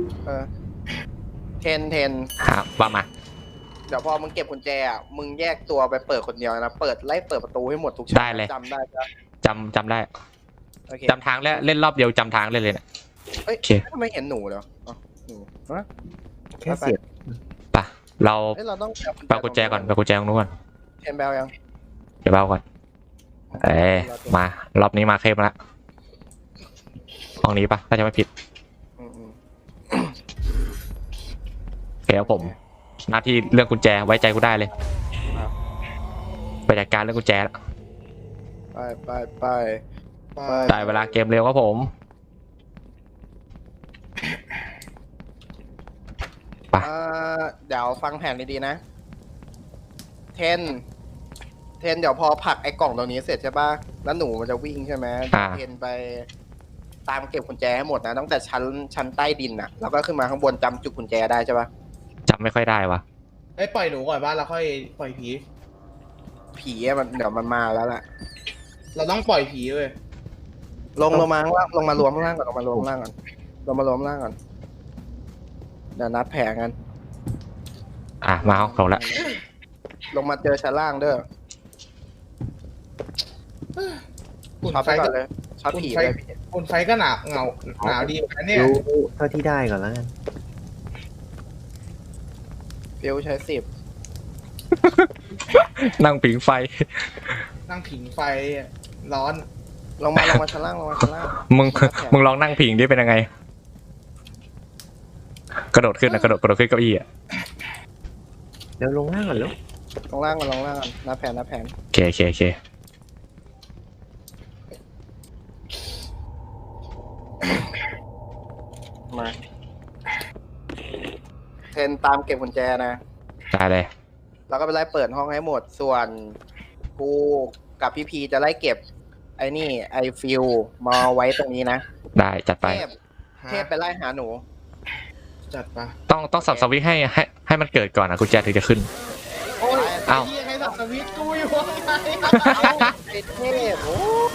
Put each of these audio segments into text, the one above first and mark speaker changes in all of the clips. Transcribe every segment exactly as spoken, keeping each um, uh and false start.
Speaker 1: เออเทนเทน
Speaker 2: ครับว่ามา
Speaker 1: เดี๋ยวพอมึงเก็บกุญแจอ่ะมึงแยกตัวไปเปิดคนเดียวนะเปิดไล่เปิดประตูให้หมดทุกชั้น
Speaker 2: ได้เลย
Speaker 1: จำได้ปะ
Speaker 2: จำจำได้
Speaker 1: โอเค
Speaker 2: จำทางแล้วเล่นรอบเดียวจำทางเลยเลยเนี่ย
Speaker 1: เฮ้ย
Speaker 2: โอเค
Speaker 1: ทำไมเห็นหนูเหรออ๋อหนูฮะ
Speaker 3: แค่เสียบ
Speaker 2: ปะเรา
Speaker 1: เฮ้ยเราต้อง
Speaker 2: ไปกุญแจก่อนไปกุญแจตรงนู้นก่อน
Speaker 1: เทนแบลยัง
Speaker 2: เดี๋ยวเบาก่อนเอ้มารอบนี้มาเข้มแล้วห้องนี้ปะถ้าจะไม่ผิด
Speaker 1: อืมอืม
Speaker 2: โอเคครับผมหน้าที่เรื่องกุญแจไว้ใจกูได้เลยไปจัดการเรื่องกุญแจแล้ว
Speaker 1: ไปไปไปไป
Speaker 2: ได้เวลาเกมเร็วครับผมไป
Speaker 1: อ่าเดี๋ยวฟังแผนดีๆนะเทนเทนเดี๋ยวพอผลักไอ้กล่องตรงนี้เสร็จใช่ปะแล้วหนูมันจะวิ่งใช่ไหมเทนไปตามเก็บกุญแจให้หมดนะตั้งแต่ชั้นชั้นใต้ดินน่ะแล้วก็ขึ้นมาข้างบนจำจุดกุญแจได้ใช่ปะ
Speaker 2: จำไม่ค่อยได้วะ
Speaker 4: ไอ้ยปล่อยหนูก่อนบ้านเราค่อยปล่อยผี
Speaker 1: ผีอะมันเดี๋ยวมันมาแล้วแหละ
Speaker 4: เราต้องปล่อยผีเว้ย
Speaker 1: ลงลงมาข้างล่างลงมารวมข้างล่างก่อนลงมารวมข้างล่างก่อนลงมารวมข้างล่างก่อนเดี๋ยวนัดแผงกัน
Speaker 2: อ่ะมาห้องเราละ
Speaker 1: ลงมาเจอชั้นล่างเด้อ
Speaker 4: อุ่น
Speaker 1: ช็อต
Speaker 4: ไฟ
Speaker 1: ไปก่อ
Speaker 4: ก็
Speaker 1: นเลยช็อตผีเลยพี่
Speaker 4: อุ่นไฟก็หนาวเหงาหนาวดีเหมือนกันเนี่ย
Speaker 3: รู้เท่าที่ได้ก่อนแล้วกัน
Speaker 1: ฟิวใช้สิบ
Speaker 2: นั่งผิงไฟ
Speaker 4: นั่งผิงไฟร้อน
Speaker 1: ลงมาลงมาชั้นล่างลงมาชั้นล่าง
Speaker 2: มึงมึงลองนั่งผิงดิเป็นยังไง กระโดดขึ้นนะกระโดดกระโดดขึ้นเก้าอี้อ่ะ
Speaker 3: เดี๋ยวลงล่างก่อนแล้ว
Speaker 1: ลงล่างก่อนลงล่างก่อนนับแผนนับแผน
Speaker 2: โอเคโอเคโอเค
Speaker 1: มาเทนตามเก็บกุญแจนะ
Speaker 2: ได้เลย
Speaker 1: แล้วก็ไปไล่เปิดห้องให้หมด ส่วนกูกับพี่พีจะไล่เก็บ ไอ้นี่ไอฟิลมาไว้ตรงนี้นะ
Speaker 2: ได้จัดไป
Speaker 1: เทพเทพไปไล่หาหนู
Speaker 4: จัดปะ
Speaker 2: ต้องต้องสับสวิตช์ให้ให้ให้มันเกิดก่อนนะกุญแจถึงจะขึ้น
Speaker 4: โอ้ย
Speaker 2: เอ้า
Speaker 4: ไอ้เหี้ยให้สับสวิตช์กูอยู่ข้างใน
Speaker 1: ไอเทพโอ้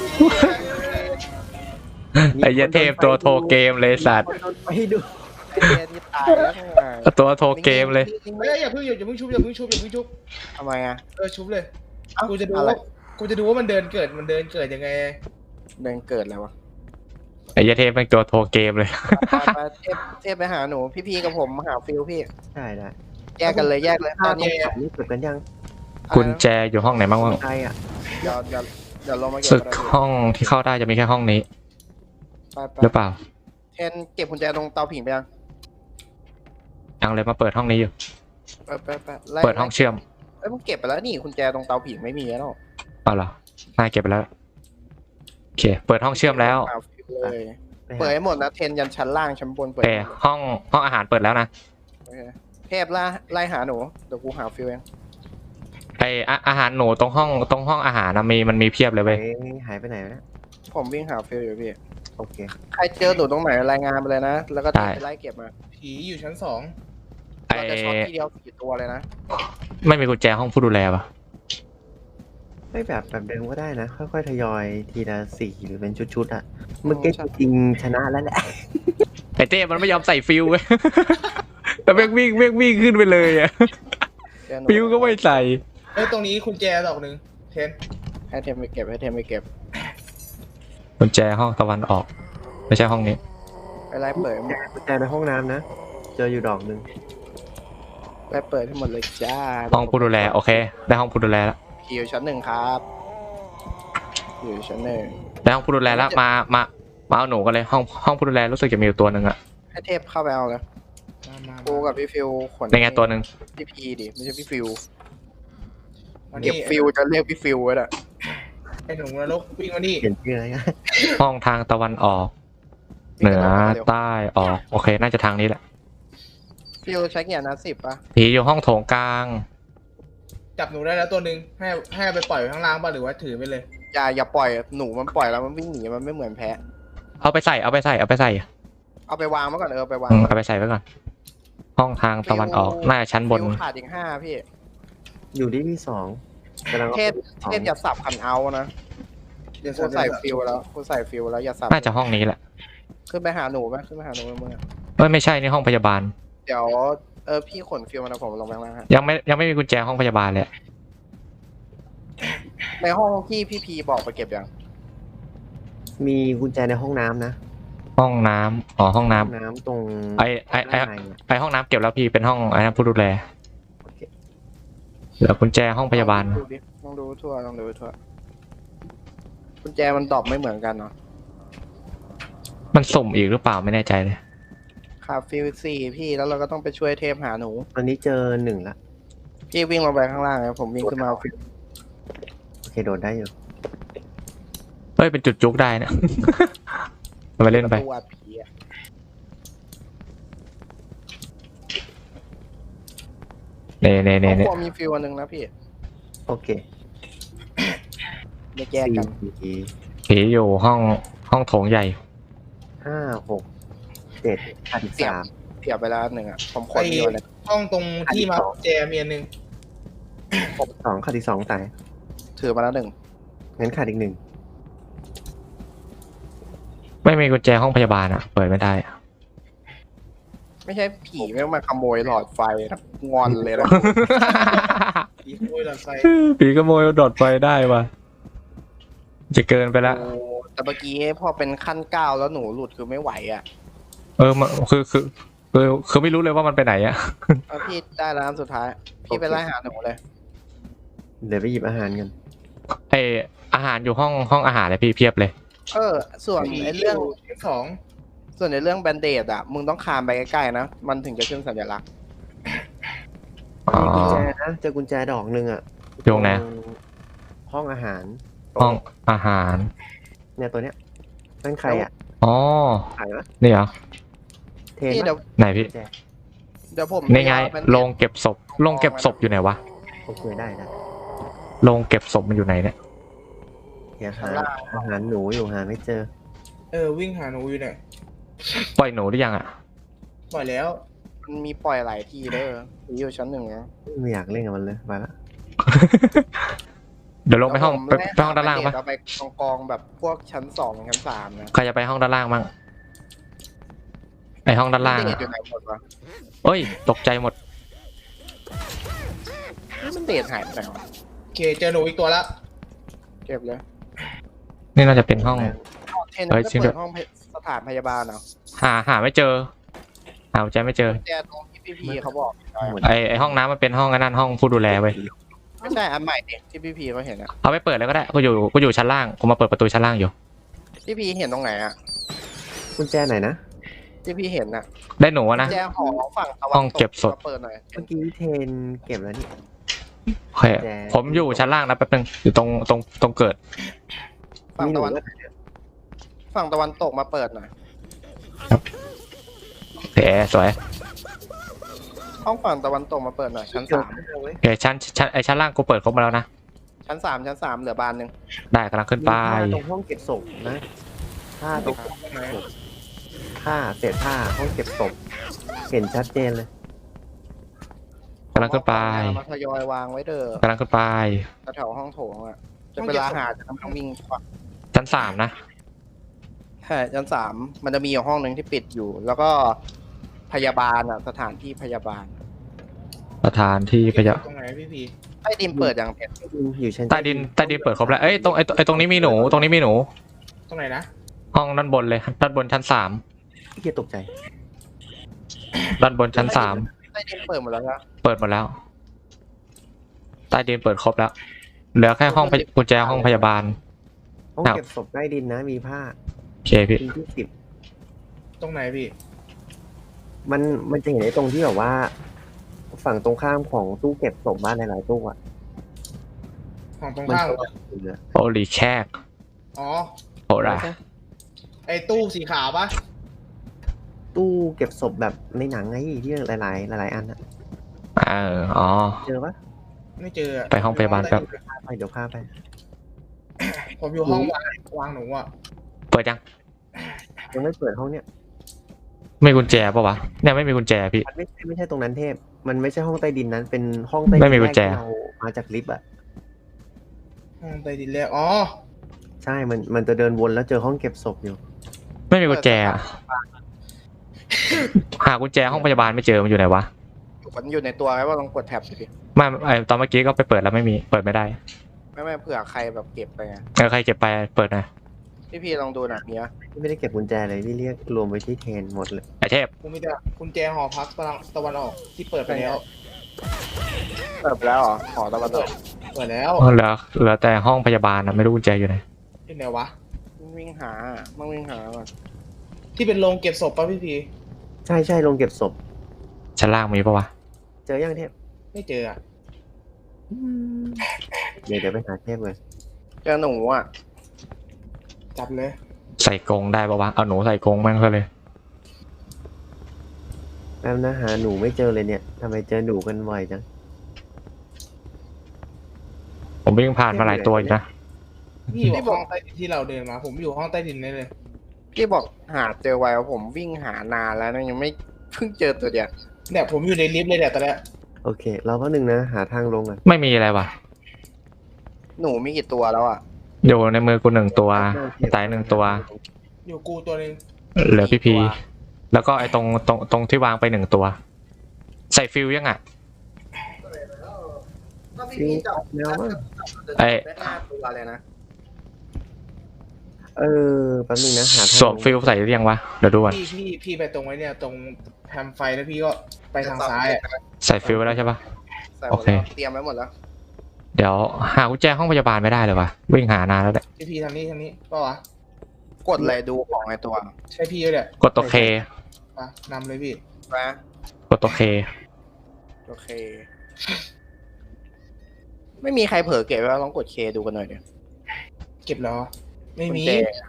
Speaker 2: ไอ้เหี้ยเทพตัวโทรเกมเลยสัตว์
Speaker 3: ไปดู
Speaker 1: ไอเทพที่ตายแล้วไง
Speaker 2: ตัวโทรเกมเลย
Speaker 4: เฮ้ยอย่าเพิ่งอย่าเพิ่งชุบอย่าเพิ่งชุบอย่าเพิ่งชุบ
Speaker 1: ทำไมอ่ะ
Speaker 4: เออชุบเลย
Speaker 1: เอ้า
Speaker 4: กูจะดู
Speaker 1: อะไร
Speaker 4: ว่ากูจะดูว่ามันเดินเกิดมันเดินเกิดยังไง
Speaker 1: เดินเกิดแล้ววะ
Speaker 2: ไอ้เหี้ยเทพเป็นตัวโทรเกมเลย
Speaker 1: ไปๆเทพเทพไปหาหนู พี่พีกับผมหาฟิลพี่
Speaker 3: ได้ได้
Speaker 1: แยกกันเลยแยกเลยต
Speaker 3: ถ้า
Speaker 1: อน
Speaker 3: ตร
Speaker 1: นี้
Speaker 3: งขันนี่เก็บกันยัง
Speaker 2: กุญแจอยู่ห้องไหนบ้างวะ
Speaker 3: ใช่อ่ะ
Speaker 1: เดี๋ยวเดี๋ยวเดี๋ยวลงมาเก็บ
Speaker 2: สึก
Speaker 1: กันนะพี่
Speaker 2: ห้องที่เข้าได้จะมีแค่ห้องนี้
Speaker 1: ไปไป
Speaker 2: หรือเปล่า
Speaker 1: เทนเก็บกุญแจตรงเตาผิงไปยัง
Speaker 2: ยังเลยมาเปิดห้องนี้อยู่
Speaker 1: ไปไปไปไล่
Speaker 2: เปิดห้องเชื่อม
Speaker 1: เอ้ยมึงเก็บไปแล้วนี่กุญแจตรงเตาผิงไม่มีแล้ว
Speaker 2: เอาเหรอน่าเก็บไปแล้วโอเค เปิดห้องเชื่อมแล้ว
Speaker 1: หาฟิลเลย
Speaker 3: ไป
Speaker 1: เปิด
Speaker 3: หา
Speaker 1: ให้หมดนะเทนยันชั้นล่างชั้นบนเปิด
Speaker 2: โอเคห้องห้องอาหารเปิดแล้วนะ
Speaker 1: โอเคเทพล่าไล่หาหนูเดี๋ยวกูหาฟิลเอง
Speaker 2: ไออาอาหารหนูตรงห้องตรงห้องอาหารนะมีมันมีเพียบเลย
Speaker 3: ไป
Speaker 2: เว้ย
Speaker 3: หายไปไหนวะเนี่ย
Speaker 1: ผมวิ่งหาฟิลอยู่พี่
Speaker 3: โอเค
Speaker 1: ใครเจอหนูตรงไหนรายงานไปเลยนะ แล้วก็เทพไปไล่เก็บมา
Speaker 4: ผีอยู่ชั้นสอง
Speaker 2: ไอ
Speaker 1: เราจะช็อตทีเดียวสี่ตัวเลยนะ
Speaker 2: ไม่มีกุญแจห้องผู้ดูแลปะ
Speaker 3: ไม่แบบแบบเดิมก็ได้นะ ค่อยๆทยอยทีละสี่หรือเป็นชุดๆอ่ะเมื่อกี้จริงๆชนะแล้วแหละ
Speaker 2: ไอเต้มันไม่ยอมใส่ฟิวเว้ย แต่เม่งวิ่งเม่งวิ่งขึ้นไปเลยอะ
Speaker 1: เจอหนู
Speaker 2: ฟิวก็ไม่ใส่
Speaker 4: เอ้ยตรงนี้คุณแจดอกหนึ่งเทน
Speaker 1: ให้เทมไปเก็บให้เทมไปเก็บ
Speaker 2: กุญแจห้องตะวันออก ไม่ใช่ห้องนี้
Speaker 1: ไปไล่เปิดให้หมด
Speaker 3: กุญแจในห้องน้ำนะ เจออยู่ดอกหนึ่ง
Speaker 1: ไล่เปิดให้หมดเลยจ้า
Speaker 2: ห้องผู้ดูแลโอเค ได้ห้องผู้ดูแลแล้ว
Speaker 1: ผีอยู่ชั้นหนึ่งครับอยู่ชั้นหนึ่ง
Speaker 2: ได้ห้องผู้ดูแลแล้วมามามาเอาหนูกันเลยห้องห้องผู้ดูแลรู้สึกจะมีอยู่ตัวหนึ่งอะ
Speaker 1: ให้เทพเข้าไปเอาเลย
Speaker 4: มามา
Speaker 1: กูกับพี่ฟิวขน
Speaker 2: ในไงตัวหนึ่ง
Speaker 1: พี่พีดิไม่ใช่พี่ฟิว
Speaker 4: มา
Speaker 1: เก็
Speaker 4: นี่
Speaker 1: บฟิวจะเรียกพี่ฟิวไว้น่ะ
Speaker 4: ไอ้หนูนรกวิ่งมานี่
Speaker 3: เปลี่ยนชื่ออะไรกัน
Speaker 2: ห้องทางตะวันออก เหนือใต้ออกโอเค น่าจะทางนี้แหละ
Speaker 1: ฟิวใช้เกียร์นะสิบป่ะ
Speaker 2: ผีอยู่ห้องโถงกลาง
Speaker 4: จับหนูได้แล้วตัวหนึ่งให้ให้เอาไปปล่อยไว้ข้างล่างป่ะหรือว่าถือไปเลย
Speaker 1: อย่าอย่าปล่อยหนูมันปล่อยแล้วมันวิ่งหนีมันไม่เหมือนแพะ
Speaker 2: เอาไปใส่เอาไปใส่เอาไปใส่
Speaker 1: เอาไปวางไว้ก่อนเออไปวาง
Speaker 2: อืมเอาไปใส่ไว้ก่อน ห้องทางตะวันออกน่าจะชั้นบน
Speaker 1: ฟิวขาดอีกห้าพี่
Speaker 3: อยู่ที่ที่สองกำลัง
Speaker 1: เทพเทพอย่าสับคันเอานะ
Speaker 4: เดี๋ยว
Speaker 1: กูใส่ฟิวแล้วกูใส่ฟิวแล้วอย่าสับ
Speaker 2: น่าจะห้องนี้แหละ
Speaker 1: ขึ้นไปหาหนูไหมขึ้นไปหาหนูเมื่อ
Speaker 2: เอ้ยไม่ใช่นี่ห้องพยาบาล
Speaker 1: เดี๋ยวเออพี่ขนฟิลมาแล้วผมลงไปข้างล่างฮะ
Speaker 2: ยังไม่ยังไม่มีกุญแจห้องพยาบาลเลย
Speaker 1: ในห้องที่พี่พีบอกไปเก็บยัง
Speaker 3: มีกุญแจในห้องน้ำนะ
Speaker 2: ห้องน้ำอ๋อห้องน้ำ
Speaker 3: ห้องน้ำตรง
Speaker 2: ไอไอไอ
Speaker 3: ด้านในอะ
Speaker 2: ไอห้องน้ำเก็บแล้วพี่เป็นห้องไอ้นั่นผู้ดูแล
Speaker 3: โอเค
Speaker 2: เหลือกุญแจห้องพยาบาล
Speaker 1: ดูดิลองดูทั่วลองดูทั่วกุญแจมันดรอปไม่เหมือนกันเนาะ
Speaker 2: มันสุ่มอีกหรือเปล่าไม่แน่ใจเลย
Speaker 1: ขาดฟิลสี่พี่แล้วเราก็ต้องไปช่วยเทพหาหนู
Speaker 3: ตอนนี้เจอหนึ่งละ
Speaker 1: พี่วิ่งลงไปข้างล่างนะผมวิ่งขึ้นมาเอาฟิล
Speaker 3: โอเคโดดได้อยู่
Speaker 2: เฮ้ยเป็นจุดจุกได้นะ ไปเล่นไป
Speaker 1: ตัวผีอะ
Speaker 2: เน่เน่เน่
Speaker 1: ห้อง
Speaker 2: เน่
Speaker 1: ครัวมีฟิลอันหนึงนะพี่
Speaker 3: โอเค
Speaker 1: ไม่แยกกัน
Speaker 3: สี่
Speaker 2: ผีอยู่ห้องห้องโถงใหญ่
Speaker 3: ห้าหกเจ็ดขาดอีกสาม
Speaker 1: เสียบไปแล้วอันหนึ่งอ่ะผมขนมีอะไร
Speaker 4: ห้องตรงที่มาแจมีอันหนึ่ง
Speaker 3: สองขาดอีกสองสาย
Speaker 1: ถือมาแล้วหนึ่ง
Speaker 3: งั้นขาดอีกหนึ่ง
Speaker 2: ไม่มีกุญแจห้องพยาบาลอ่ะเปิดไม่ได้อะ
Speaker 1: ไม่ใช่ผีไม่งมาขโมยหลอดไฟนะงอนเลยนะ
Speaker 4: อีกโอ้ยหลอดไฟ
Speaker 2: ผีขโมยดอดไฟได้ปะจะเกินไปละ
Speaker 1: โอ้แต่เมื่อกี้พอเป็นขั้นเก้าแล้วหนูหลุดคือไม่ไหวอ่ะ
Speaker 2: เออมันคือคือคือคือไม่รู้เลยว่ามันไปไหนอะ
Speaker 1: เอาพี่ได้แล้วอันสุดท้าย พี่ไปไล่หาหนูเลย
Speaker 3: เดี๋ยวไปหยิบอาหารกัน
Speaker 2: ไออาหารอยู่ห้องห้องอาหารเลยพี่เพียบเลย
Speaker 1: เออ ส่วนไอ้เรื่อง
Speaker 4: ชั้นสอง
Speaker 1: ส่วนในเรื่องแบนเดดอ่ะมึงต้องคานไปใกล้ๆนะมันถึงจะขึ้นสัญลักษณ์
Speaker 2: อ๋อ
Speaker 3: มีกุญแจนะเจอกุญแจดอกหนึ่งอ่ะ
Speaker 2: อยู่ตรงไหน
Speaker 3: ตรงห้องอาหาร
Speaker 2: ห้องอาหาร
Speaker 3: เนี่ยตัวเนี้ยนั่นใครอ่ะ
Speaker 2: อ๋อ
Speaker 3: ใครวะ
Speaker 2: นี่เหรอ
Speaker 3: เทน
Speaker 1: พี่เดี๋ยว
Speaker 3: ปะ
Speaker 2: ไหนพี่
Speaker 3: กุญแจ
Speaker 1: เดี๋ยวผม
Speaker 2: นี่ไง
Speaker 1: เอา Band-Aid
Speaker 2: โรงเก็บศพโรงเก็บศพอยู่ไหนวะ
Speaker 3: โอเคได้ได้
Speaker 2: โรงเก็บศพมันอยู่ไหนเนี่ย
Speaker 3: เดี๋ยวหาอาหารหนูอยู่หาไม่เจอ
Speaker 4: เออวิ่งหาหนูอยู่เนี่ย
Speaker 2: ปล่อยหนูหรือยังอ่ะ
Speaker 4: ปล่อยแล้ว
Speaker 1: มันมีปล่อยหลายทีเด้อมีอยู่ชั้นหนึ่งนะ
Speaker 3: ไม่อยากเล่นกับมันเลยไปละ
Speaker 2: เดี๋ยวลงไปห้อง
Speaker 1: เดี๋ยว
Speaker 2: ไป
Speaker 1: ผม
Speaker 2: ไปห้องด้านล่างปะ
Speaker 1: เอาไปกองๆแบบพวกชั้นสองชั้นสามนะ
Speaker 2: ใครจะไปห้องด้านล่างมั่งไอห้องด้านล่าง
Speaker 1: เด
Speaker 2: อะ
Speaker 1: ทอยู่ไหนหมดวะ
Speaker 2: เอ้ยตกใจหมด
Speaker 1: มันเดทหายไปไหนวะ
Speaker 4: โอเคเจอหนูอีกตัวแล้ว
Speaker 1: เก็บเลย
Speaker 2: นี่น่าจะเป็นห้อง
Speaker 1: เทน
Speaker 2: เฮ้ย
Speaker 1: ไม่
Speaker 2: จริงด้
Speaker 1: เปิ
Speaker 2: วย
Speaker 1: ดห้องสถานพยาบาลเหรอ
Speaker 2: หาหาไม่เจอหากุญแจไม่เจอ
Speaker 1: แต่ตรงที่พี่พีเขาบอก
Speaker 2: ไอไอห้องน้ำมันเป็นห้องไอ้นั่นห้องผู้ดูแลเว้ย
Speaker 1: ไม่ใช่อันใหม่ดิที่พี่พีเขาเห็นอะ
Speaker 2: เอาไปเปิดเลยก็ได้กูอยู่กูอยู่ชั้นล่างกูมาเปิดประตูชั้นล่างอยู่
Speaker 1: พี่พีเห็นตรงไหนอะ
Speaker 3: กุญแจไหนนะ
Speaker 1: ที่พี่เห็นอะ
Speaker 2: ได้หนูอะนะ
Speaker 1: แจหอฝั่งตะวัน
Speaker 2: ห้องเก็บศพ
Speaker 1: มาเปิดหน่อย
Speaker 3: เมื่อกี้เทนเก็บแล้วนี่
Speaker 2: โอเคผมอยู่ชั้นล่างนะแป๊บนึงอยู่ตรงตรงตรงเกิด
Speaker 1: ฝั่ง
Speaker 3: มีหนู
Speaker 1: ตะวัน
Speaker 3: ด้วย
Speaker 1: ฝั่งตะวันตกมาเปิดหน่อย
Speaker 2: โอเคสวย
Speaker 1: ห้องฝั่งตะวันตกมาเปิดหน่อยชั้น
Speaker 3: เจอ
Speaker 1: สาม
Speaker 3: ข้าวเว้ย
Speaker 2: โอเคชั้นชั้นไอชั้นล่างกูเปิดครบมาแล้วนะ
Speaker 1: ชั้นสามชั้นสามเหลือบานหนึ่ง
Speaker 2: ได้กำลังขึ้นไป
Speaker 3: มีผ้าตรงห้องเก็บศพนะผ้าตรง
Speaker 4: ตรงไหน
Speaker 3: ผ้าเศษผ้าห้องเก็บศพเห็นชัดเจนเลย
Speaker 2: กำลังขึ้นไป
Speaker 1: เอามาทยอยวางไว้เด้อก
Speaker 2: ำลังขึ้นไป
Speaker 1: แถวห้องโถงอะจะเวลาหาจะต้องวิ่งควัก
Speaker 2: ชั้นสามนะ
Speaker 1: ใช่ชั้นสามมันจะมีอยู่ห้องหนึ่งที่ปิดอยู่ แล้วก็พยาบาลอะสถานที่พยาบาล
Speaker 2: สถานที่พยา
Speaker 4: ตรงไหนพี่พี
Speaker 1: ใต้ดินเปิดอย่างเพชร
Speaker 3: อยู่ชั้น
Speaker 2: ใต้ดินใต้ดินเปิดครบแล้วเอ้ยตรงไอ้ไอ้ตรงนี้มีหนูตรงนี้มีหนู
Speaker 4: ตรงไหนนะ
Speaker 2: ห้องด้านบนเลยด้านบนชั้นสาม
Speaker 3: พี่เกียตกใจ
Speaker 2: ด้านบนชั้นสาม
Speaker 1: ใต้ดินเปิดหมดแล้วนะ
Speaker 2: เปิดหมดแล้ว ใต้ดินเปิดครบแล้ว เหลือแค่ห้องพยกุญแจห้องพยาบาล
Speaker 3: ห้อง
Speaker 2: ครับ
Speaker 3: เก็บศพใต้ดินนะมีผ้า
Speaker 2: โอเคพี่
Speaker 3: ปีที่สิบ
Speaker 4: ตรงไหนพี่
Speaker 3: มันมันจะเห็นไอ้ตรงที่แบบว่า ฝั่งตรงข้ามของตู้เก็บศพบ้านหลายๆตู้อ่ะ
Speaker 4: ของตรง
Speaker 3: มัน
Speaker 4: ข้าม
Speaker 3: จะ
Speaker 4: เหรอ
Speaker 3: เหลือ
Speaker 2: โอลีแคก
Speaker 4: อ๋อ
Speaker 2: โหรา
Speaker 4: ไอ้ตู้สีขาวปะ
Speaker 3: ตู้เก็บศพแบบในหนังไงที่หลายๆหลายๆอันอะ
Speaker 2: เอออ๋อ
Speaker 3: เจอปะ
Speaker 4: ไม่เจออะ
Speaker 2: ไปห้องพยาบาลแป๊บ
Speaker 3: พาไปเดี๋ยวพาไป
Speaker 4: ผมอยู่ห้องวางวางหนูอ่ะ
Speaker 2: เปิดยัง
Speaker 3: ยังไม่เปิดห้องเนี้ย
Speaker 2: ไม่กุญแจปะวะเนี่ยไม่มีกุญแจพี่
Speaker 3: มันไม่ใช่ไม่ใช่ตรงนั้นเทพ มันไม่ใช่ห้องใต้ดินนั้น เป็นห้องใต้ดิ
Speaker 2: ไม่มีกุญแจ
Speaker 3: รกที่เรามาจากลิฟต์อ่ะ
Speaker 4: ห้องใต้ดินแรกอ๋อ
Speaker 3: ใช่ มันมันจะเดินวนแล้วเจอห้องเก็บศพอยู่
Speaker 2: ไม่มีกุญแจอะหากุญแจห้องพยาบาลไม่เจอมันอยู่ไหนวะ
Speaker 1: มันอยู่ในตัวไงว่าลองกดแท็บดูดิ
Speaker 2: ไม่ไอตอนเมื่อกี้ก็ไปเปิดแล้วไม่มีเปิดไม่ได้
Speaker 1: ไม่ไม่เผื่อใครแบบเก็บไปไง
Speaker 2: เออใครเก็บไปเปิดหน่อย
Speaker 1: พี่พี่ลองดูหน่อยเนี้ย
Speaker 3: พี่ไม่ได้เก็บกุญแจเลยพี่เรียกรวมไว้ที่เทนหมดเลย
Speaker 2: ไอเทพ
Speaker 4: กูมีแต่กุญแจหอพักตะวันตะวันออกที่เปิดไปแล้ว
Speaker 1: เปิดไปแล้วเหรอหอตะวันตก
Speaker 4: เปิดแล้ว
Speaker 2: เหลือเหลือแต่ห้องพยาบาลนะไม่รู้กุญแจอยู่ไหน
Speaker 4: ที่ไหนวะ
Speaker 1: วิ่งหามั่งวิ่งหาก่อน
Speaker 4: ที่เป็นโรงเก็บศพป่ะพี่พี
Speaker 3: ใช่ใช่ลงเก็บศพ
Speaker 2: ชั้นล่างมีปะวะ
Speaker 3: เจอยังเทพ
Speaker 4: ไม่เจออ่ะ
Speaker 3: เดี๋ยวเดี๋ยวไปหาเทพเลย
Speaker 1: เจอหนูอ่ะ
Speaker 4: จับเลย
Speaker 2: ใส่กรงได้ปะวะเอาหนูใส่กรงแม่งซะเลย
Speaker 3: แป๊บนะหาหนูไม่เจอเลยเนี่ยทำไมเจอหนูกันบ่อยจัง
Speaker 2: ผมวิ่งผ่านมาหลายตัวอยู่นะ
Speaker 4: พี่อยู่ห้องใต้ดินที่เราเดินมา ผมอยู่ห้องใต้ดินนี่เลย
Speaker 1: พี่บอกหาเจอไวว่าผมวิ่งหานานแล้วนะยังไม่เพิ่งเจอตัวเดียว
Speaker 4: เนี่ยผมอยู่ในลิฟต์เลยเนี่ยตอนเนี้ย
Speaker 3: โอเค เราก็หนึ่งนะ หาทางลงก่อน
Speaker 2: ไม่มีอะไรวะ
Speaker 1: หนูมีกี่ตัวแล้วอ่ะ
Speaker 2: อยู่ในมือกูหนึ่งตัวตายหนึ่งตัว
Speaker 4: อยู่กูตัวหนึง
Speaker 2: เหลือพี่พีแล้วก็ไอ้ตรงตรงตรงที่วางไปหนึ่งตัว ใส่ฟิลยังอ่ะ
Speaker 3: ฟิวแนวมั้ง
Speaker 2: ไอ้
Speaker 1: ได้ห้าตัวเลยนะ
Speaker 3: เออแป๊บนึงนะหาทาง
Speaker 2: สวมฟิลใส่หรือยังวะเดี๋ยวดูก่อน
Speaker 4: พี่พี่พี่ไปตรงไว้เนี่ยตรงแพมไฟแล้วพี่ก็ไปทางซ้ายอะ
Speaker 2: ใส่ฟิลไว้แล้วใช่ปะ
Speaker 1: ใส่หม
Speaker 2: โอ
Speaker 1: ด
Speaker 2: เค
Speaker 1: แล้วเตรียมไว้หมดแล้ว
Speaker 2: เดี๋ยวหากุญแจห้องพยาบาลไม่ได้เลยวะวิ่งหานานแล้วแหละ
Speaker 4: พี่พีทางนี้ทางนี้ก็วะ
Speaker 1: กดเลยดูของไอตัว
Speaker 4: ใช่พี่เลยแหละ
Speaker 2: กดตัวเค
Speaker 4: มานำเลยพี่
Speaker 1: นะ
Speaker 2: กดตัวเค
Speaker 1: โอเค ไม่มีใครเผลอเก็บไว้ลองกดเคดูกันหน่อยเดี๋ยว
Speaker 4: เก็บแล้วไม่มี
Speaker 1: กุญแจ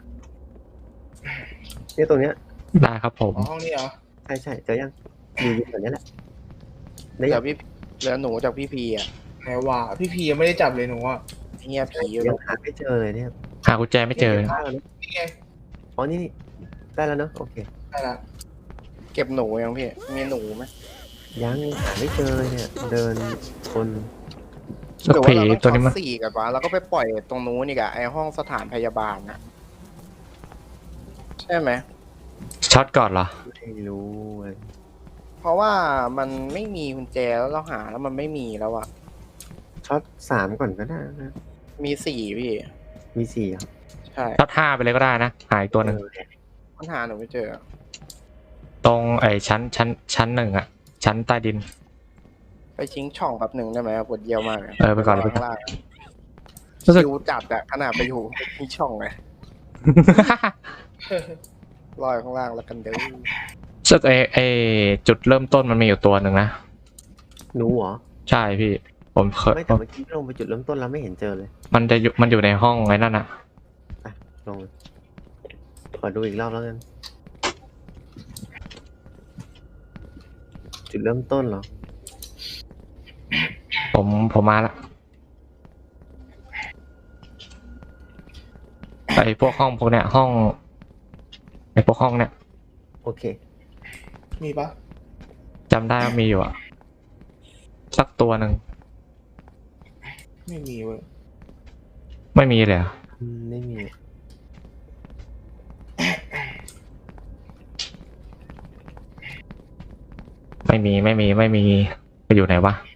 Speaker 3: เนี่ยตรงเนี้ย
Speaker 2: ได้ครับผม
Speaker 4: อ๋อห้องนี้เหรอ
Speaker 3: ใช่ใช่เจอยังอยู่อยู่แบบนี้แหละได้
Speaker 1: เหลื
Speaker 3: ยั
Speaker 1: อง พี่เหลือหนูจากพี่พีอ่ะ
Speaker 4: ไหนว่าพี่พียังไม่ได้จับเลยหนูอ่ะ
Speaker 1: เงียผีอยู่
Speaker 3: ยังหาไม่เจอเลยเนี่ย
Speaker 2: หากุญแจไม่เจอ
Speaker 3: ได้แล้วนะ
Speaker 4: นี่ไง
Speaker 3: อ๋อนี่นี่ได้แล้วเนาะโอเค
Speaker 4: ได้ละ
Speaker 1: เก็บหนูยังพี่มีหนูไหม
Speaker 3: ยังหาไม่เจอเลยเนี่ย เดินคน
Speaker 2: สัก
Speaker 1: หรือ
Speaker 2: ผี
Speaker 1: ว่าเรา
Speaker 2: ตัว
Speaker 1: ต้อง
Speaker 2: นี้
Speaker 1: ช็
Speaker 2: มั
Speaker 1: อน ตสี่กันวะแล้วก็ไปปล่อยตรงนู้นอีกอะไอห้องสถานพยาบาลนะใช่ไหม
Speaker 2: ช็อตก่อนเหรอ
Speaker 3: ไม่รู้เลย
Speaker 1: เพราะว่ามันไม่มีกุญแจแล้วเราหาแล้วมันไม่มีแล้วอะ
Speaker 3: ช็อตสามก่อนก็ได้นะ
Speaker 1: มีสี่พี่
Speaker 3: มีสี่ครับ
Speaker 1: ใช่
Speaker 2: ช็อตห้าไปเลยก็ได้นะหายตัวหนึ่ง
Speaker 3: เออเนี่ย
Speaker 1: ปัญหาหนูไม่เจอ
Speaker 2: ตรงไอ้ชั้นชั้นชั้นหนึ่งอะชั้นใต้ดิน
Speaker 1: ไปชิงช่องแป๊บหนึ่งได้ไหมปวดเยี่ยวมากเลย
Speaker 2: เออไปก่อนเลย
Speaker 1: ข้างล่าง
Speaker 2: รู้สึก
Speaker 1: คิวจัดอะขนาดไปอยู่ที่ช่องไงลอยข้างล่างแล้วกันเด้อ
Speaker 2: รู้สึกไอ้ไอ้จุดเริ่มต้นมันมีอยู่ตัวหนึ่งนะ
Speaker 3: หนูเหรอ
Speaker 2: ใช่พี่ ผมเคย
Speaker 3: ไม่แต่เมื่อกี้ลงไปจุดเริ่มต้นแล้วไม่เห็นเจอเลย
Speaker 2: มันจะอยู่มันอยู่ในห้องไอ้นั่นอะ
Speaker 3: ลงเลยขอดูอีกรอบแล้วกัน จุดเริ่มต้นเหรอ
Speaker 2: ผมผมมาละไอ้พวกห้องพวกเนี้ยห้องไอ้พวกห้องเนี้ย
Speaker 3: โอเค
Speaker 4: มีปะ
Speaker 2: จำได้ว่ามีอยู่อะสักตัวหนึ่ง
Speaker 4: ไม่มีเว้ย
Speaker 2: ไม่มีเลยเหรอ
Speaker 3: อืมไม่มี
Speaker 2: ไม่มีไม่มีไม่มีไปอยู่ไหนวะ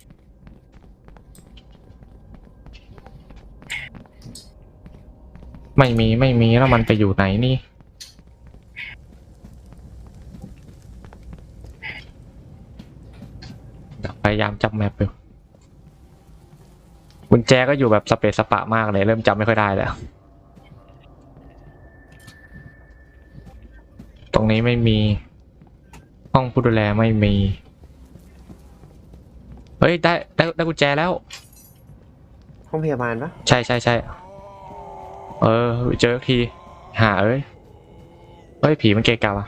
Speaker 2: ไม่มีไม่มีแล้วมันไปอยู่ไหนนี่พยายามจำแมปอยู่กุญแจก็อยู่แบบสเปซสปะมากเลยเริ่มจำไม่ค่อยได้แล้วตรงนี้ไม่มีห้องผู้ดูแลไม่มีเฮ้ยได้ได้ได้กุญแจแล้ว
Speaker 3: ห้องพยาบาลปะ
Speaker 2: ใช่ใช่ใช่เออเจอทีหาเอ้ยเฮ้ยผีมันเกะกะวะ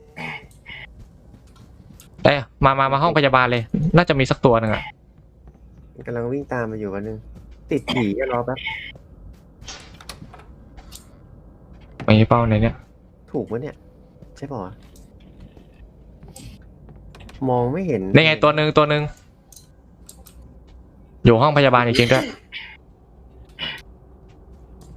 Speaker 2: เอ้ยมามามาห้องพยาบาลเลย น่าจะมีสักตัวหนึ่งอะ
Speaker 3: กำลังวิ่งตามมาอยู่วันนึง ติดผีจะรอแป๊บ
Speaker 2: มีเป้าในเนี้ย
Speaker 3: ถูกปะเนี่ย ใช่ป่าวะมองไม่เห็น
Speaker 2: นี่ไงตัวหนึ่งตัวหนึ่งอยู่ห้องพยาบาลจริงๆด้วย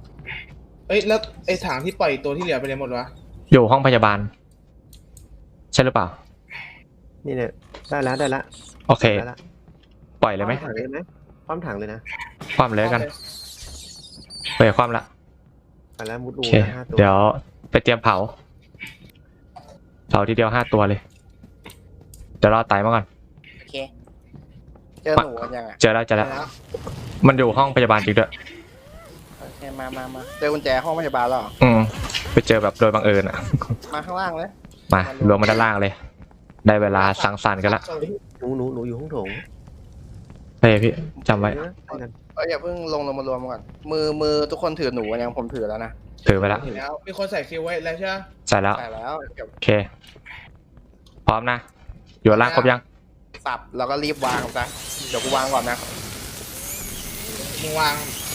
Speaker 4: เอ้ยแล้วไอ้ถังที่ปล่อยตัวที่เหลือไปไหนหมดวะ
Speaker 2: อยู่ห้องพยาบาลช่หรือเปล่า
Speaker 3: นี่เนี่ยได้แล้วได้แล้ว
Speaker 2: โอเค
Speaker 3: ได้แล้ว
Speaker 2: ปล่อยเลยไหม
Speaker 3: คว่ำถังเลยไหมคว่ำถังเลยนะ
Speaker 2: ความเลยกันเปลี่ยนความละ
Speaker 3: ไปแล้วมุด
Speaker 2: โอ
Speaker 3: อู
Speaker 2: เค
Speaker 3: นะห้าตัว
Speaker 2: เดี๋ยวไปเตรียมเผาเผาทีเดียวห้าตัวเลยเดี๋ยวรอไต่มาก่อน
Speaker 1: โอเค เจอหนูกันยังอ่ะ
Speaker 2: เจอแล้วเจอแล้วมันอยู่ห้องพยาบาลจริงด้วย
Speaker 1: โอเคมามามาเจอกุญแจห้องพยาบาลแล้วเหรอ
Speaker 2: อืมไปเจอแบบโดยบังเอิญอ่ะ
Speaker 1: มาข้างล่างเลย
Speaker 2: มารวมมาด้านล่างเลย ได้เวลาสังสรรค์กันละ
Speaker 3: หนูหนูหนูอยู่ห้องโถง
Speaker 2: เฮ้ยพี่จำไว้
Speaker 3: เออไปกัน
Speaker 1: เอ้ยอย่าเพิ่งลงลงมารวมก่อนมือมือทุกคนถือหนูกันยังผมถือแล้วนะ
Speaker 2: ถือไปแล้ว
Speaker 4: แล้วมีคนใส่คิวไว้แล้วใช่ไหม
Speaker 2: ใส่แล้ว
Speaker 1: ใส่แล้วเก็บ
Speaker 2: โอเค พร้อมนะ อยู่ล่างครบยัง
Speaker 1: สับแล้วก็รีบวางซะเดี๋ยวกูวางก่อนนะ
Speaker 4: มึงวาง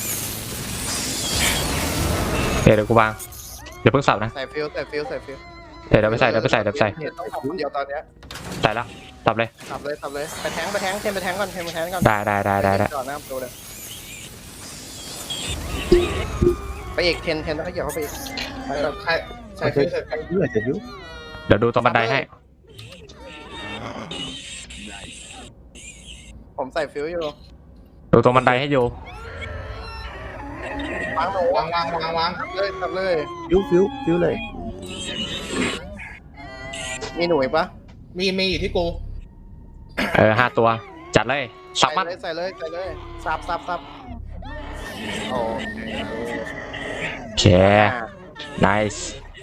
Speaker 2: เดี๋ยวเดี๋ยวกูวางเดี๋ยวเพิ่งสับนะ
Speaker 1: ใส่ฟิลใส่ฟิลใส่ฟิล
Speaker 2: เดี๋ยวเดี๋ยวไปใส่เดี๋ยวไปใส่เดี๋ยวไปใส่
Speaker 1: เห็นต้องทำคนเดียวตอนเนี้ย
Speaker 2: ใส่แล้วสับเลย
Speaker 1: สับเลยสับเลยไปแทงไปแทงเทนไปแทงก่อนเทนไปแทงก่อน
Speaker 2: ได้ได้ได้ได้ได้
Speaker 1: ก่อนหน้าประตูเลยไปอีกเทนเทนแล้วก็เหยียบเข้าไปอีกไปก่อน
Speaker 4: ใครใส่คิวใส่กัน
Speaker 3: เลือดจะยุบ
Speaker 2: เดี๋ยวดูตรงบันไดให้
Speaker 1: ผมใส่ฟิลอยู่
Speaker 2: ดูตรงบันไดให้อยู่
Speaker 1: วางหนู
Speaker 4: วางวางวางวาง
Speaker 1: เลยสับเลย
Speaker 3: ฟิวฟิวฟิวเลย
Speaker 1: มีหนูอีกปะ
Speaker 4: มีมีอยู่ที่กู
Speaker 2: เออห้าตัว จัดเลยสับมัน
Speaker 1: ใส่เลยใส่เลยใส่เลยสับสับสับโอเค
Speaker 2: โอเค nice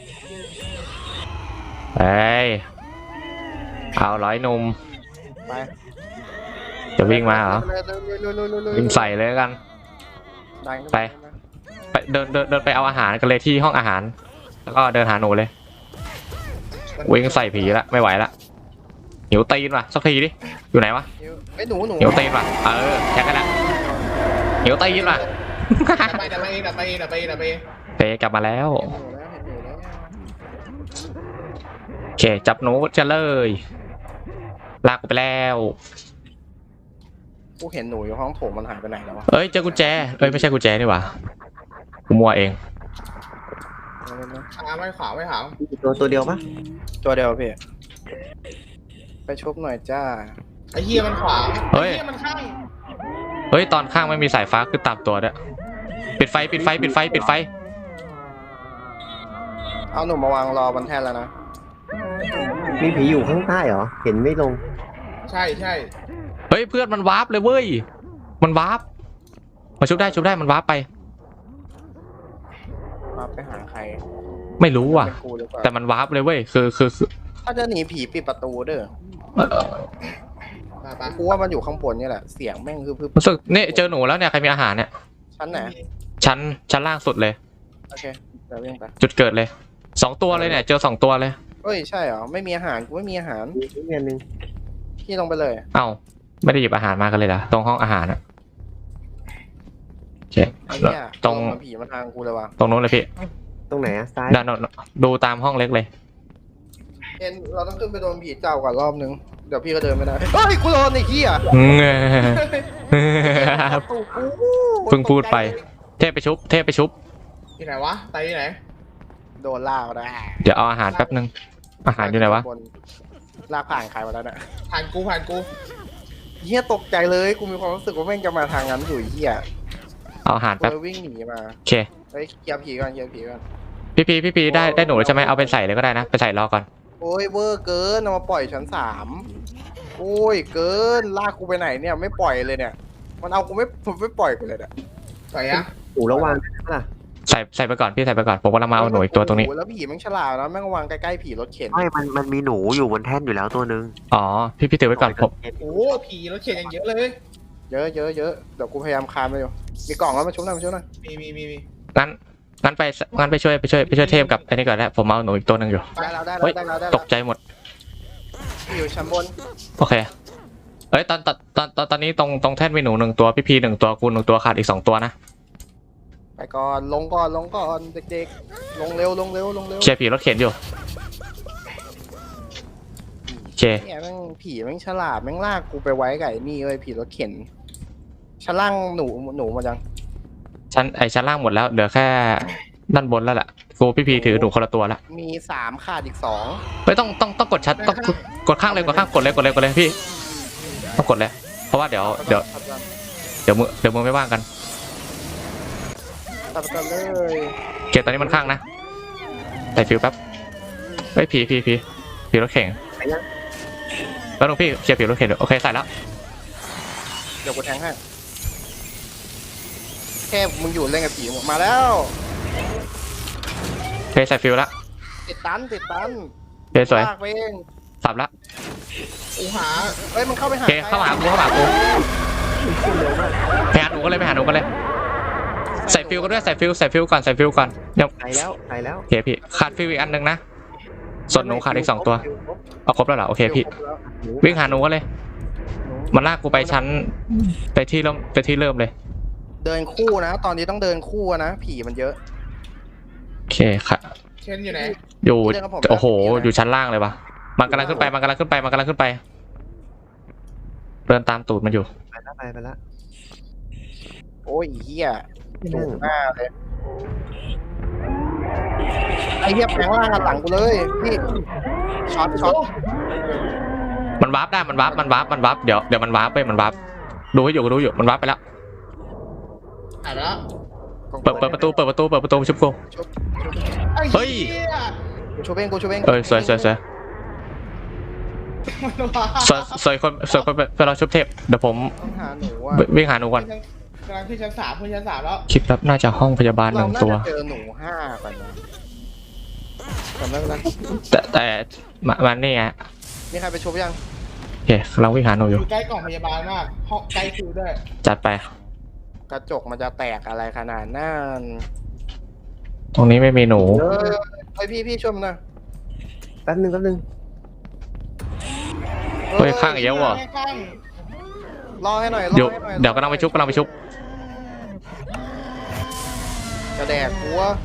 Speaker 2: เฮ้ยเอาร้อยหนุ่ม
Speaker 1: ไป
Speaker 2: จะวิ่งมาเหรอ
Speaker 1: เลยเลยเลยเลยเลยเลย
Speaker 2: วิ่งใส่เลยแล้วกัน
Speaker 1: ดันขึ้น
Speaker 2: ไป ไปเดินเดินเดินไปเอาอาหารกันเลยที่ห้องอาหาร แล้วก็เดินหาหนูเลย วิ่งใส่ผีละไม่ไหวละหิวตีนว่ะสักทีดิอยู่ไหนวะ
Speaker 1: ไอ้ยหนูหนู
Speaker 2: หิวตีนว่ะเออแค่กันละหิวตีนว่ะ
Speaker 4: ดับไปดับไปเองดับไปเองดับไปเองดับไปเอง
Speaker 2: เปกลับมาแล้ว
Speaker 1: เห็นหนูแล้วเห็นหนูแล้ว
Speaker 2: โอเคจับหนูจะเลยลากกูไปแล้ว
Speaker 1: กูเห็นหนูอยู่ห้องโถงมันหายไปไหนแล้ววะ
Speaker 2: เอ้ยเจอกุญแจเอ้ยไม่ใช่กุญแจนี่หว่ากูมัวเอง
Speaker 4: ขาไม่ขวาไม่ขาว
Speaker 3: ตัวตัวเดียวปะ
Speaker 1: ตัวเดียวพี่ไปชุบหน่อยจ้า
Speaker 4: ไอ้เหี้ยมันขวา
Speaker 2: เฮ้ย
Speaker 4: ไอ้เหี้ยมันข้าง
Speaker 2: เฮ้ยตอนข้างไม่มีสายฟ้าคือตามตัวด้วยปิดไฟปิดไฟปิดไฟปิดไฟ
Speaker 1: เอาหนูมาวางรอบนแท่นแล้วนะ
Speaker 3: มีผีอยู่ข้างใต้เหรอ เห็นไม่ลง
Speaker 4: ใช่ใช่
Speaker 2: เฮ้ยเพื่อนมันวาร์ปเลยเว้ยมันวาร์ปมาชุบได้ชุบได้มันวาร์ปไป
Speaker 1: มาไปหาใคร
Speaker 2: ไม่รู้ว่ะ
Speaker 1: เป็นกูหรือเปล่า
Speaker 2: แต่มันวาร์ปเลยเว้ยคือคือคือ
Speaker 1: ถ้าจะหนีผีปิดประตูเด้อ
Speaker 4: ไปไป
Speaker 1: กูว่ามันอยู่ข้างบนนี่แหละเสียงแม่งคือคือ
Speaker 2: รู้สึกนี่เจอหนูแล้วเนี่ยใครมีอาหารเนี่ย
Speaker 1: ชั้นไหน
Speaker 2: ชั้นชั้นล่างสุดเลย
Speaker 1: โอเคเดี๋ยววิ่งไป
Speaker 2: จุดเกิดเลยสองตัวเลยเนี่ยเจอสองตัวเลย
Speaker 1: เฮ้ยใช่เหรอไม่มีอาหารกูไม่มีอาหาร
Speaker 3: มีอีกอันหนึง
Speaker 1: พี่ลงไปเลย
Speaker 2: เอ้าไม่ได้หยิบอาหารมากันเลยเหรอตรงห้องอาหารอะโอเค
Speaker 1: ไอ้เนี่ย
Speaker 2: ตรง
Speaker 1: ลมาผีมาทางกูเลยว่ะ
Speaker 2: ตรงนู้นเลยพี่
Speaker 3: ตรงไหนอะซ้าย
Speaker 2: ด้านโน้นดูตามห้องเล็กเลย
Speaker 1: เอ็นเราต้องขึ้นไปโดนผีเจ้าก่อนรอบนึงเดี๋ยวพี่ก็เดินไม่ได้เฮ้ยกูโดนไอ้เหี้ย ตูกู
Speaker 2: เพิ่งพูดไป เทพไปชุบ เทพไปชุบ
Speaker 4: ที่ไหนวะไตที่ไหน
Speaker 1: โดนลากมาได้
Speaker 2: เดี๋ยวเอาอาหารแป๊บนึง อาหารอยู่ไหนวะ
Speaker 1: บลากผ่านใครมาแล้วเนี่ย
Speaker 4: ผ่านกูผ่านกู
Speaker 1: เหี้ยตกใจเลยกูมีความรู้สึกว่าแม่งจะมาทางนั้นอยู่ไอ้เหี้ย
Speaker 2: เอาอาหาร
Speaker 1: กู
Speaker 2: แป๊บ
Speaker 1: เลยวิ่งหนีมา
Speaker 2: โอเค
Speaker 1: เฮ้ยเคลียร์ผีก่อนเคลียร์ผีก่อน
Speaker 2: พี่พีพี่พีได้ได้หนูแล้วใช่ไหมเอาไปใส่เลยก็ได้นะ ไปใส่รอก่อน
Speaker 1: โอ้ยเวอร์เกินเอามาปล่อยชั้นสามโอ้ยเกินลากกูไปไหนเนี่ยไม่ปล่อยเลยเนี่ย มันเอากูไม่ผมไม่ปล่อยกูเลยเนี่ย
Speaker 4: ใส่ยัง
Speaker 3: หนูระวังนะล่ะ
Speaker 2: ใส่ใส่ไปก่อนพี่ใส่ไปก่อน ผมกำลังมาเอาหนูอีกตัวตรงนี้
Speaker 1: โโหแล้วผีแม่งฉลาดนะแม่งวางใกล้ๆผีรถเข็น
Speaker 3: ไม่มันมันมีหนูอยู่บนแท่นอยู่แล้วตัวหนึ่ง
Speaker 2: อ๋อ พี่พี่ถือไว้ก่อนผม
Speaker 4: โอ้โหผีรถเข็นอย่างเยอะเลย
Speaker 1: เยอะเยอะเยอะเดี๋ยวกูพยายามคานไปอยู่มีกล่องแล้วมาชุบหน่อยมาชุบหน่อย
Speaker 4: มีมีมีมี
Speaker 2: งั้นงั้นไปงั้นไปช่วยไปช่วยไปช่วยเทพกับไอ้นี่ก่อนแล้วผมเอาหนูอีกตัวหนึ่งอยู่
Speaker 1: ได้แล้วได้
Speaker 2: เฮ้
Speaker 1: แล้ว
Speaker 2: ย
Speaker 1: ได้แล้วได้
Speaker 2: ต
Speaker 1: แล้ว
Speaker 2: กใจหมด
Speaker 1: อยู่ชั้นบน
Speaker 2: โอเค เอ้ยตอนตอนตอนตอนตอนนี้ตรงตรงแท่นมีหนูหนึ่งตัวพี่พีหนึ่งตัวกูหนึ่งตัวขาดอีกสองตัวนะ
Speaker 1: ไปก่อนลงก่อนลงก่อนเด็กๆ ลงเร็วลงเร็วลงเร็ว
Speaker 2: เคลียร์ผีรถเข็นอยู่โอเค
Speaker 1: เนี่ยแม่งผีแม่งฉลาดแม่งลากกูไปไว้กับไอ้นี่เลยผีรถเข็นชั้นล่างหนูหนูมาจัง
Speaker 2: ชั้นไอชั้นล่างหมดแล้วเหลือแค่ด้านบนแล้วแหละกูพี่พีถือหนูคนละตัวละ
Speaker 1: มีสามขาดอีกสอง
Speaker 2: ไม่ต้องต้องต้องกดชัดต้องกดกดข้างเลยกดข้างกดเลยกดเลยกดเลยพี่ต้องกดเลยเพราะว่าเดี๋ยวเดี๋ยวเดี๋ยวมือเดี๋ยวมือไม่ว่างกัน
Speaker 1: ตัดกันเลย
Speaker 2: เกียร์ตอนนี้มันข้างนะใส่ฟิวแป๊บเฮ้ยผีผีผีผีรถเข็งแล้วหลวงพี่เคลียร์ผีรถเข็งโอเคใส่แล้ว
Speaker 1: เดี๋ยวกูแทงให้แค่มึงอยู่เล่นกับผีมาแล้ว
Speaker 2: โอเคใส่ฟิวแล้ว
Speaker 1: ติดตันติดตัน
Speaker 2: โอเคสวย
Speaker 1: ลากไปเอง
Speaker 2: สับแล้ว
Speaker 4: กูหา
Speaker 1: เฮ้ยมันเข้าไป
Speaker 2: โอ
Speaker 1: หา
Speaker 2: เคเข้ามาหากูเข้ามาหากูไปหาหนูกันเลยไปหาหนูกันเลยใส่ฟิวกันด้วยใส่ฟิวใส่ฟิวก่อนใส่ฟิวก่อนยัง
Speaker 3: ไปแล้วไปแล้ว
Speaker 2: โอเคพี่ขาดฟิวอีกอันหนึ่งนะส่วนหนูขาดอีกสองตัวเอาครบแล้วเหรอโอเคพี่วิ่งหาหนูกันเลยมันลากกูไปชั้นไปที่เริ่มไปที่เริ่มเลย
Speaker 1: เดินคู่นะ ตอนนี้ต้องเดินคู่นะผีมันเยอะ
Speaker 2: โอเคค่ะ
Speaker 4: เช่นอยู่ไหน
Speaker 2: อยู่
Speaker 1: เรื่องของผม
Speaker 2: โอ้โห
Speaker 1: นะ
Speaker 2: อยู่ชั้นล่างเลยวะมันกำลังขึ้นไปมันกำลังขึ้นไปมันกำลังขึ้นไปเดินตามตูดมันอยู่
Speaker 3: ไปแล้วไปไปแล้ว
Speaker 1: โอ้ยเฮียสูงหน้าเลยไอ้เฮียแปลงร่างกันหลังกูเลยนี่ช็อตช็อต
Speaker 2: มันวาร์ปได้มันวาร์ปมันวาร์ปมันวาร์ปเดี๋ยวเดี๋ยวมันวาร์ปไปมันวาร์ปดูให้อยู่ดูอยู่มันวาร์ปไปแล้ว
Speaker 4: อ่ะแล้ว
Speaker 2: เปิดเปิดประตูเปิดประตูเปิดประตูชุบกู
Speaker 1: ชุบ
Speaker 4: ไอ้
Speaker 2: เฮ้ย
Speaker 4: เหี้ย
Speaker 1: กูชุบเองกูชุบเอง
Speaker 2: เออสวยสวยสวย
Speaker 4: มันว้า
Speaker 2: สวยสวยคนสวยคนเป็นเราชุบเทพเดี๋ยวผม
Speaker 1: ต้องหาหนูอ่ะ
Speaker 2: วิ่งหาหนูก่อน
Speaker 4: กำลังขึ้นชั้นสามขึ้นชั้นสามแล้ว
Speaker 2: คลิปแล้วน่าจะห้องพยาบาลห
Speaker 1: เรา
Speaker 2: นึ่ง
Speaker 1: น่า
Speaker 2: ตัว
Speaker 1: จะเจอหนูห้าก่อนนะจำได้ไหม
Speaker 2: แต่แต่มามันนี่ไง
Speaker 1: มีใครไปชุบยัง
Speaker 2: โอเคเราวิ่งหาหนูอ
Speaker 4: อยู่ ยู่ใกล้กล่องพยาบาลมากห้องใกล้คิวด้วย
Speaker 2: จัดไป
Speaker 1: กระจกมันจะแตกอะไรขนาดนั้น
Speaker 2: ตรงนี้ไม่มีหนู
Speaker 1: เออไอพี่พี่ชมนะ
Speaker 3: แป๊บนึงแป๊บนึง
Speaker 2: เฮ้ยข้างอีกแล้วเหรอ
Speaker 4: ข้าง
Speaker 1: รอให้หน่อยรอ
Speaker 2: เดี๋ยว
Speaker 1: ให้หน่อย
Speaker 2: เดี๋ยวกำลังไปชุบกำลังไปชุบ
Speaker 1: จะแดกกูวะ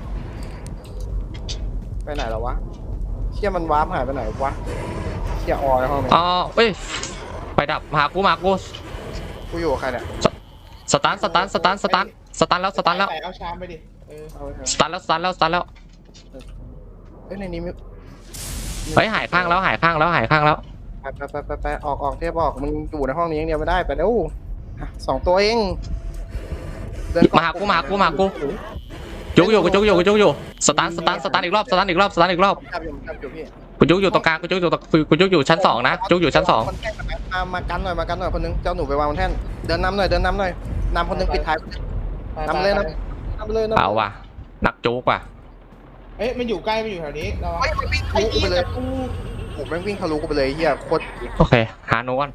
Speaker 1: ไปไหนแล้ววะเชี่ยมันวาร์ปหายไปไหนวะเชี่ยออยห้องนี้
Speaker 2: อ๋อเอ้ยไปดับมาหากูมาหากู
Speaker 1: กูอยู่กับใครเนี่ย
Speaker 2: สตาร์ทสตาร์ทสตาร์ทสตาร์ทสตาร์ทแล้วสตาร์ทแล้ว
Speaker 4: ใส่เอาชามไปดิเออ
Speaker 1: เอาไปเถอะ
Speaker 2: สตาร์ทแล้วสตาร์ทแล้วสตาร์ทแล้ว
Speaker 1: เอ้ยในนี้มี
Speaker 2: เฮ้ยหายข้างแล้วหายข้างแล้วหายข้างแล้ว
Speaker 1: ไปไปไปไปไปออกออกเทปออกมึงอยู่ในห้องนี้อย่างเดียวไม่ได้ไปเร็วอ่ะสองตัวเองเดิน
Speaker 2: มาหากูมาหากูมาหากูจุกอยู่กูจุกอยู่กูจุกอยู่สตาร์ทสตาร์ทสตาร์ทอีกรอบสตาร์ทอีกรอบสตาร์ทอีกรอบ
Speaker 1: จับอยู่จับอยู่พี่
Speaker 2: กูจุกอยู่ตรงกลางกูจุกอยู่ตรงกูจุกอยู่ชั้นสองนะจุกอยู่ชั้นสอง
Speaker 1: คนแกล้งมามากันหน่อยมากันหน่อยคนนึงเจ้าหนูไปวางบนแท่นเดินนำหน่อยเดินนำหน่อยนำคนนึงปิดท้ายนำเลยนะนำเลยนำ
Speaker 2: เอาว่ะหนักจุกว่ะ
Speaker 4: เอ๊ะมันอยู่ใกล้มันอยู่แถวนี้เรา
Speaker 1: เฮ้ยมันวิ่งทะลุกูไปเลย
Speaker 4: กู
Speaker 1: ผมแม่งวิ่งทะลุกูไปเลยเฮียโคตร
Speaker 2: โอเคหาหนูก่อน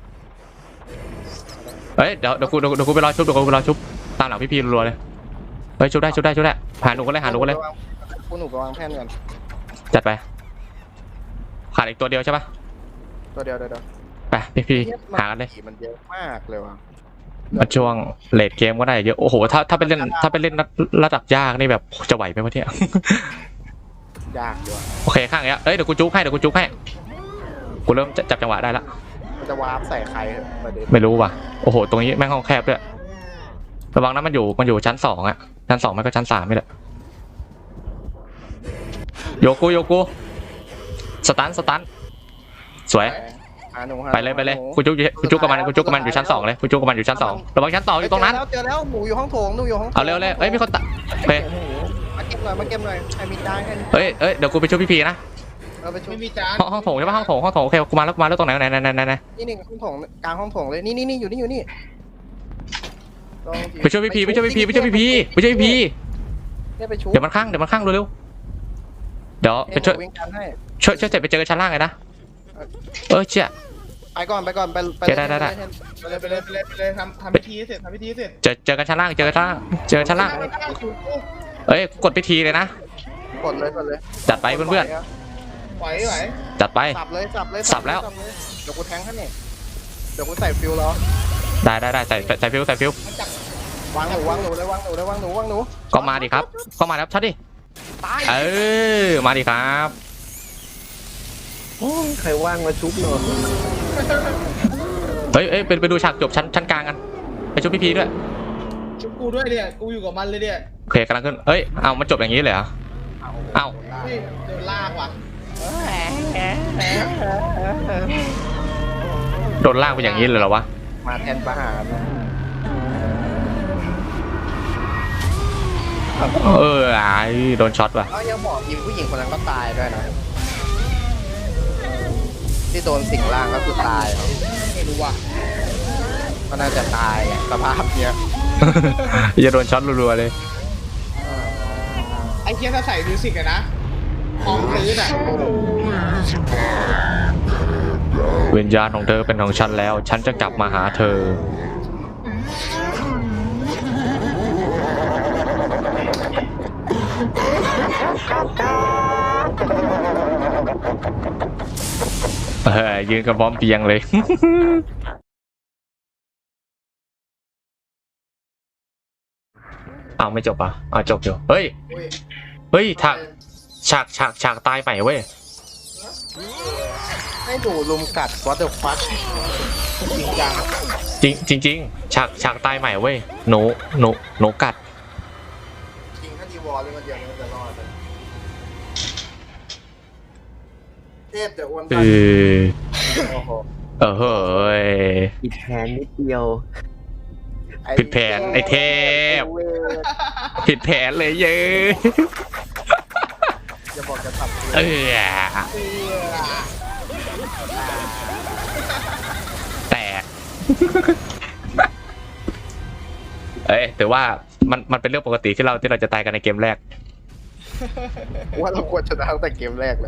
Speaker 2: เฮ้ยเดี๋ยวเดี๋ยวกูเดี๋ยวเดี๋ยวกูไปรอชุบเดี๋ยวกูไปรอชุบตามหลังพี่พีรัวๆเลยเฮ้ยชุบได้ชุบได้ชุบได้หาหนูกันเลยหาหนูกันเลย
Speaker 1: กูหนูไปวางแท่นก่อน
Speaker 2: จัดไปขาดอีกตัวเดียวใช่ปะ
Speaker 1: ตัวเดียวเดี๋ยวเดี๋ยว
Speaker 2: ไปพี่พี่หากันเลย
Speaker 1: ผีมันเยอะมากเลยว่ะ
Speaker 2: มาช่วงเลดเกมก็ได้เยอะโอ้โหถ้าถ้าไปเล่นถ้าไปเล่นระดับยากนี่แบบจะไหวไหมวะเนี่ย
Speaker 1: ยากอยู่อะ
Speaker 2: โอเคข้างเนี้ยเอ้ยเดี๋ยวกูจุกให้เดี๋ยวกูจุกให้กูเริ่มจับจังหวะได้ละ
Speaker 1: มันจะวาร์ปใส่ใครประเด็น
Speaker 2: ไม่รู้ว่ะโอ้โหตรงนี้แม่งห้องแคบด้วยระวังนะมันอยู่มันอยู่ชั้นสองอะชั้นสองไม่ก็ชั้นสามนี่แหละโยกูโยกูสตันสตันสวย
Speaker 1: หาหนูหา
Speaker 2: ไปเลยไปเลยกูจุกอยู่กูจุกกับมันกูจุกกับมันอยู่ชั้นสองเลยกูจุกกับมันอยู่ชั้นสองระวังชั้นสองอยู่ตรงนั้น
Speaker 1: เจอแล้วเจอแล้วหนูอยู่ห้องโถงหนูอยู่ห้องโถง
Speaker 2: เอาเร็วเลยเอ้ยมีคนตะโอเค
Speaker 1: มาเก็บหน่อยมาเก็บหน่อยใครมีจานใครมี
Speaker 2: เอ้ยเอ้ยเดี๋ยวกูไปช่วยพี่พีนะ
Speaker 1: เราไปช่วย
Speaker 4: ไม่มีจาน
Speaker 2: ห้องห้องโถงใช่ปะห้องโถงห้องโถงโอเคกูมาแล้วกูมาแล้วตรงไหนไหนไหนไหนไหนไหน
Speaker 1: นี่นี่ห้องโถงกลางห้องโถงเลยนี่นี่นี่อยู่นี่อยู่นี่
Speaker 2: ไปช่วยพี่พีไปช่วยพี่พีไปช่วยพี่พีไปช่วยพี่พี
Speaker 1: เนี่ยไปชุบ
Speaker 2: เดี๋ยวมันข้างเดี๋ยวมันข้างเร็วๆเดี๋ยวไปช่วย
Speaker 1: วิ่งกันให้
Speaker 2: ช่วยช่วยเสร็จไปเจอกันชั้นล่างเลยนะเออเชี่ย
Speaker 1: ไปก่อนไปก่อนไปไป
Speaker 2: ได้ได้ได้
Speaker 4: ไปเลยไปเลยไปเลยไปเลยทำทำพิธีให้เสร็จทำพิธีให้เสร็จ
Speaker 2: เจอเจอกันชั้นล่างเจอกันชั้นล่างเจอกันชั้นล่าง
Speaker 4: ไม่ได้ถูกกู
Speaker 2: เอ้ยกดพิธีเลยนะ
Speaker 1: กดเลยกดเลย
Speaker 2: จัดไปเพื่อน
Speaker 4: ไหวไหว
Speaker 2: ๆจัดไป
Speaker 1: สับเลยสับเลย
Speaker 2: สับแล้ว
Speaker 1: เยเดี๋ยวกูแทงให้เนี่ยเดี๋ยวกูใส่ฟิวแล้ว
Speaker 2: ได้ได้ได้ใส่ใส่ใส่ฟิวใส่ฟิว
Speaker 4: มันจับ
Speaker 1: วางหนูวางหนูเลยวางหนูเลยวางหนูวางหนู
Speaker 2: ก็มาดิครับก็มาแล้วชัดดิ
Speaker 1: ตาย
Speaker 2: เออมาดิครับ
Speaker 3: โอ้ยใครว่างมาชุบหน่อย
Speaker 2: เฮ้ยเอ้ยไปไปดูฉากจบชั้นชั้นกลางกันไปช่วยพี่พีด้วย
Speaker 4: ชุบกูด้วยเนี่ยกูอยู่กับมันเลยเนี่ย
Speaker 2: เคกำลังขึ้นเอ้ยเอามันจบอย่างนี้เลยเหรอ เอ้า
Speaker 4: เฮ้ยโดนลากว่ะ
Speaker 2: โดนลากไปอย่างนี้เลยเหรอวะ
Speaker 1: มาแทนประหาร
Speaker 2: เออไอ้โดนช็อตว่ะ
Speaker 1: ก็ยังบอกอีผู้หญิงคนนั้นก็ตายด้วยนะที่โดนสิงร่างก็คือตายเนาะ
Speaker 4: ไม่รู้ว่ะ
Speaker 1: ก็น่าจะตายอะสภาพเนี้ย
Speaker 2: จะโดนช็อตรัวๆเลย
Speaker 4: ไอ้เคียถ้าใส่มิวสิกอะนะพร้อมตื้ออะ
Speaker 2: วิญญาณของเธอเป็นของฉันแล้ว ฉันจะกลับมาหาเธอ เออยืนกับบอมเปียงเลย เอาไม่จบอ่ะเอาจบอยู่เฮ้ย
Speaker 1: อุ้ย
Speaker 2: เฮ้ยฉากฉากฉากฉากตายใหม่เว้ย
Speaker 1: ให้หนูลุมกัด what the fuck จริงจัง
Speaker 2: จริงจริงจริงฉากฉากตายใหม่เว้ยหนูหนูหนูกัด
Speaker 1: จริงถ้าดีวอลเลยมันเดียวมันจะรอดเลยเทพแต่อ้วน
Speaker 2: เอ
Speaker 1: ตัน
Speaker 2: อ
Speaker 1: โอ้โห
Speaker 2: เออเฮ้ย
Speaker 3: ผิดแผนนิดเดียว
Speaker 2: ผิดแผนไอ้เทพ
Speaker 1: ไอ้เวร
Speaker 2: ผิดแผนเลยเย้
Speaker 1: จะบอกจะทำ
Speaker 2: เออแตก เอ้ยแต่ว่ามันมันเป็นเรื่องปกติที่เราที่เราจะตายกันในเกมแรก
Speaker 1: ว่าเราควรชนะตั้งแต่เกมแรกแล้ว